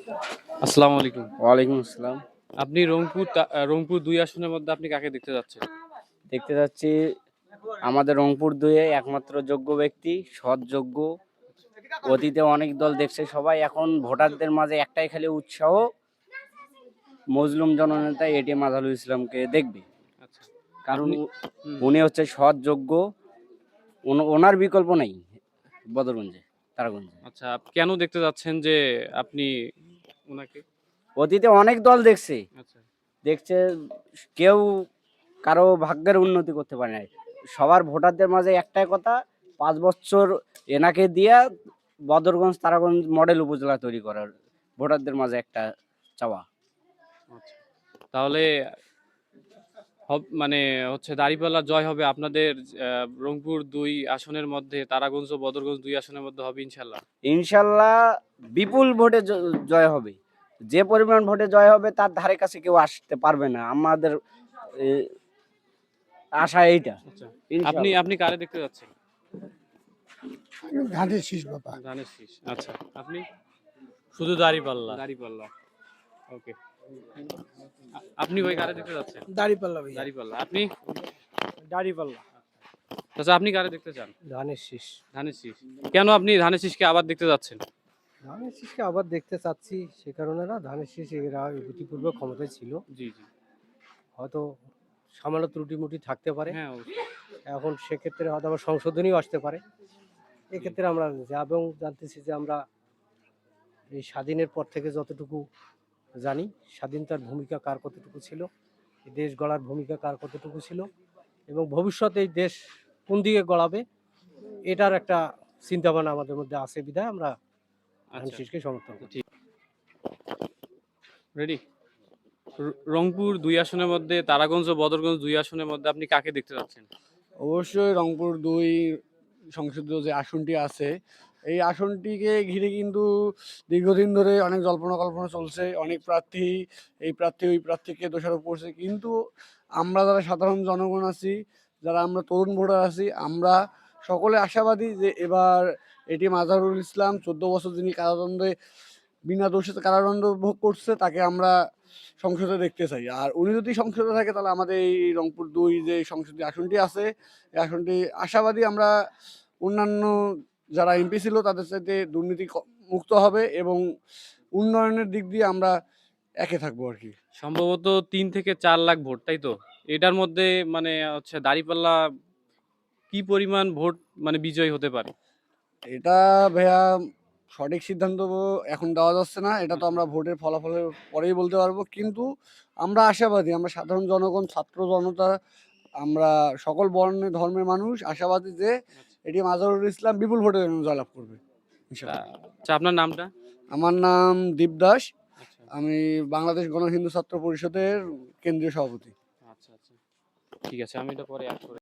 আসসালামু আলাইকুম। ওয়ালাইকুম আসসালাম। আপনি রংপুর ২ আসনের মধ্যে আপনি কাকে দেখতে যাচ্ছেন? দেখতে যাচ্ছি আমাদের রংপুর ২ এ একমাত্র যোগ্য ব্যক্তি, সৎ যোগ্য। অতীতে অনেক দল দেখছে সবাই, এখন ভোটারদের মাঝে একটাই খালি উৎসাহ, মজলুম জননেতা এটিএম আজহারুল ইসলামকে দেখবে। আচ্ছা। কারণ আপনি হুম, উনি হচ্ছে সৎ যোগ্য, ওনার বিকল্প নাই বদরগঞ্জে, তারাগঞ্জে। আচ্ছা কেন দেখতে যাচ্ছেন যে আপনি উনাকে? অতীতে অনেক দল দেখছে, আচ্ছা, দেখছে কেউ কারো ভাগ্যের উন্নতি করতে পারে নাই। সবার ভোটারদের মাঝে একটাই কথা, ৫ বছর এনাকে দিয়া বদরগঞ্জ তারাগঞ্জ মডেল উপজেলা তৈরি করার ভোটারদের মাঝে একটা চাওয়া। আচ্ছা। তাহলে মানে হচ্ছে দাঁড়িপাল্লা জয় হবে আপনাদের রংপুর ২ আসনের মধ্যে তারাগঞ্জ ও বদরগঞ্জ ২ আসনের মধ্যে হবে ইনশাল্লাহ? ইনশাল্লাহ বিপুল ভোটে জয় হবে। যে পরিমাণ ভোটে জয় হবে তার ধারে কাছে কেউ আসতে পারবে না। আমাদের এ, আশা এইটা। আচ্ছা। আপনি ইনশাল্লাহ আপনি কারে দেখতে যাচ্ছেন? ধানের শীষ বাবা। ধানের শীষ। আচ্ছা। আপনি? শুধু দাঁড়িপাল্লা। দাঁড়িপাল্লা। ওকে। আপনি ভাই কারে দেখতে যাচ্ছেন? দাড়িপাল্লা ভাইয়া। দাঁড়িপাল্লা। আপনি? দাড়িপাল্লা। আচ্ছা আপনি কারে দেখতে চান? ধানের শীষ। ধানের শীষ। কেন আপনি ধানের শীষকে আবার দেখতে যাচ্ছেন? ধানের শীষকে আবার দেখতে চাচ্ছি সে কারণে না, ধানের শীষ এরা ইতিপূর্বে ক্ষমতায় ছিল, জি, জি। হয়তো সামান্য ত্রুটি-মুটি থাকতে পারে। হ্যাঁ, অবশ্যই। এখন সেক্ষেত্রে হয়তো আবার সংশোধনীও আসতে পারে। জি, এক্ষেত্রে আমরা এবং জানতেছি যে আমরা এই স্বাধীনের পর থেকে যতটুকু জানি, স্বাধীনতার ভূমিকা কার কতটুকু ছিল, এই দেশ গড়ার ভূমিকা কার কতটুকু ছিল এবং ভবিষ্যতে এই দেশ কোন দিকে গড়াবে এটার একটা চিন্তাভাবনা আমাদের মধ্যে আছে বিধায় আমরা ধানের আচ্ছা। শীষকে সমর্থন করি। ঠিক। রেডি? রংপুর ২ আসনের মধ্যে তারাগঞ্জ ও বদরগঞ্জ ২ আসনের মধ্যে আপনি কাকে দেখতে যাচ্ছেন? অবশ্যই রংপুর ২ সংসদীয় যে আসনটি আছে, এই আসনটিকে ঘিরে কিন্তু দীর্ঘদিন ধরে অনেক জল্পনা-কল্পনা চলছে। অনেক প্রার্থী এই প্রার্থী ওই প্রার্থীকে দোষারোপ করছে। কিন্তু আমরা যারা সাধারণ জনগণ আছি, যারা আমরা তরুণ ভোটার আছি, আমরা সকলে আশাবাদী যে এবার এটিএম আজহারুল ইসলাম ১৪ বছর যিনি কারাদণ্ডে বিনা দোষে কারাদণ্ড ভোগ করছে তাকে আমরা সংসদে দেখতে চাই। আর উনি যদি সংসদে থাকে তাহলে আমাদের এই রংপুর ২ যে সংসদীয় আসনটি আছে, এই আসনটি আশাবাদী আমরা অন্যান্য যারা এমপি ছিল তাদের চাইতে দুর্নীতি মুক্ত হবে এবং উন্নয়নের দিক দিয়ে আমরা একে থাকবো আরকি। সম্ভবত ৩ থেকে ৪ লাখ ভোট, তাই তো? এটার মধ্যে মানে হচ্ছে দাঁড়িপাল্লা কি পরিমাণ ভোট মানে বিজয়ী হতে পারে? এটা ভাইয়া সঠিক সিদ্ধান্ত এখন দেওয়া যাচ্ছে না। এটা তো আচ্ছা, আমরা ভোটের ফলাফলের পরেই বলতে পারবো। কিন্তু আমরা আশাবাদী, আমরা সাধারণ জনগণ, ছাত্র জনতা, আমরা সকল বর্ণের ধর্মের মানুষ আশাবাদী যে আচ্ছা। এটি আজহারুল ইসলাম বিপুল ভোটে জয়লাভ করবে তা ইনশাআল্লাহ। আচ্ছা আপনার নামটা? আমার নাম দীপ দাস। আচ্ছা, আমি বাংলাদেশ গণ হিন্দু ছাত্র পরিষদের কেন্দ্রীয় সভাপতি। আচ্ছা, আচ্ছা। ঠিক আছে আমি এটা পরে এড করে